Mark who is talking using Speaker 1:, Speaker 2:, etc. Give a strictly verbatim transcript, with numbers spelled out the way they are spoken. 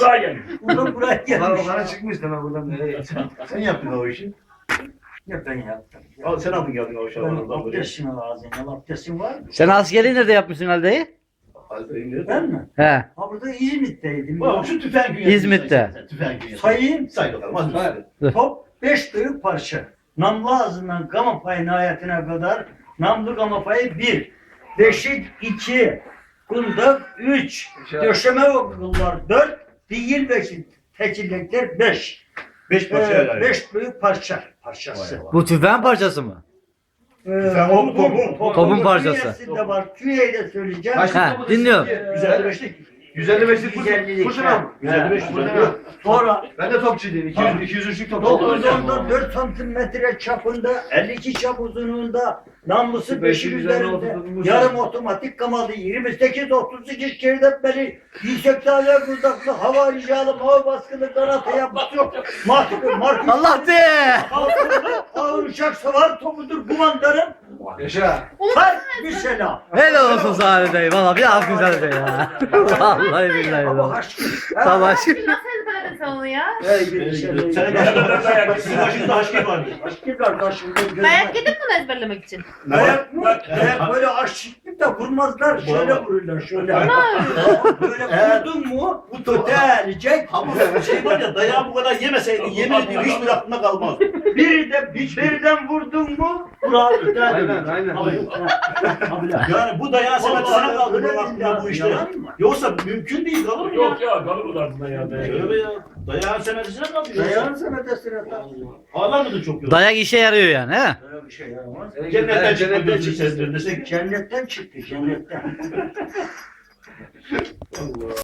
Speaker 1: buraya gelmiş.
Speaker 2: Buradan buraya
Speaker 3: Ulan
Speaker 2: gelmiş.
Speaker 3: o kana çıkmış deme buradan nereye gideceksin? Sen yaptın o işi.
Speaker 2: Ya ben yaptım.
Speaker 3: Al sen aldın geldin o
Speaker 2: Ben
Speaker 3: şabanından buraya.
Speaker 2: abdestim lazım. Ya abdestim var mı?
Speaker 4: Sen askerliği nerede yapmışsın Ali dayı?
Speaker 3: Hadi indir.
Speaker 2: Ben mi?
Speaker 4: He.
Speaker 2: Ha burada İzmit'teydim.
Speaker 3: Bak şu tüfeğin gün
Speaker 4: İzmit'te.
Speaker 3: Tüfeğin gün
Speaker 2: Sayayım.
Speaker 3: Say bakalım hadi. Hadi.
Speaker 2: Top beş büyük parça. Namlu ağzından gama payı nihayetine kadar namlu gama payı bir. Beşik iki. Kundak üç. Döşeme okullar dört. Değil beşik. Tekillikler beş.
Speaker 3: Beş parça
Speaker 2: Ee,
Speaker 3: yani.
Speaker 2: beş büyük parça. Parçası.
Speaker 4: Bu tüfeğin parçası mı?
Speaker 2: Ee,
Speaker 3: Sen o topun-
Speaker 4: topun parçası.
Speaker 2: Künyesinde var. Künyeyi de söyleyeceğim.
Speaker 3: Kaç-
Speaker 4: He, dinliyorum.
Speaker 3: yüz elli beşlik. yüz elli beşlik
Speaker 2: yüz ellilik.
Speaker 3: kurşun al. yüz elli beş kurşun al.
Speaker 2: Sonra
Speaker 3: Ben de topçuydum. iki yüz iki yüz üçlük topçu.
Speaker 2: dokuz onda dört santimetre çapında, elli iki çap uzunluğunda, namlusu beşin üzerinde, yarım otomatik kamalı, yirmi sekiz otuz iki şeridetmeli, yüksek daire kuzaklı, hava ricalı, hava baskılı, kanat yapısı yok. Mahkum, markus,
Speaker 4: Allah de!
Speaker 2: ağır uçak savar topudur kumandanım.
Speaker 3: Yaşa.
Speaker 2: Her bir selam.
Speaker 4: Helal olsun sana Ali dayı. Valla bir alkış Ali dayı ya. Vallahi billahi.
Speaker 2: Ama
Speaker 4: ya.
Speaker 2: aşkım.
Speaker 4: Tamam.
Speaker 5: Nasıl ezberledin sen onu ya?
Speaker 2: Hey bir şey.
Speaker 3: Senin başında sizin başınızda aşkı vardı.
Speaker 2: Aşkım kardeşim.
Speaker 5: Dayak yedin mi bunu ezberlemek için?
Speaker 2: Dayak mı? Dayak böyle aşıklık da vurmazlar. Şöyle vururlar şöyle. Böyle vurdun mu bu totelecek.
Speaker 3: Ama şey var ya dayağı bu kadar yemeseydin yemin ediyorum hiçbir aklına kalmaz.
Speaker 2: Biri de birden vurdun mu bravo.
Speaker 3: Aynen, aynen. Yani bu dayağı sen sana kaldı bu aklına bu işte. Yoksa mümkün değil kalır mı ya?
Speaker 1: Yok ya kalır mı lan ya?
Speaker 3: Şöyle ya. Dayağın senedisine kaldı.
Speaker 2: Dayağın senedesine
Speaker 3: Ağlar mıdır çok yok?
Speaker 4: Dayak işe yarıyor yani he?
Speaker 2: Böyle bir şey yaramaz.
Speaker 3: Cennetten çıktı gözünü sevdirin desek.
Speaker 2: Cennetten çıktı cennetten.
Speaker 3: Allah.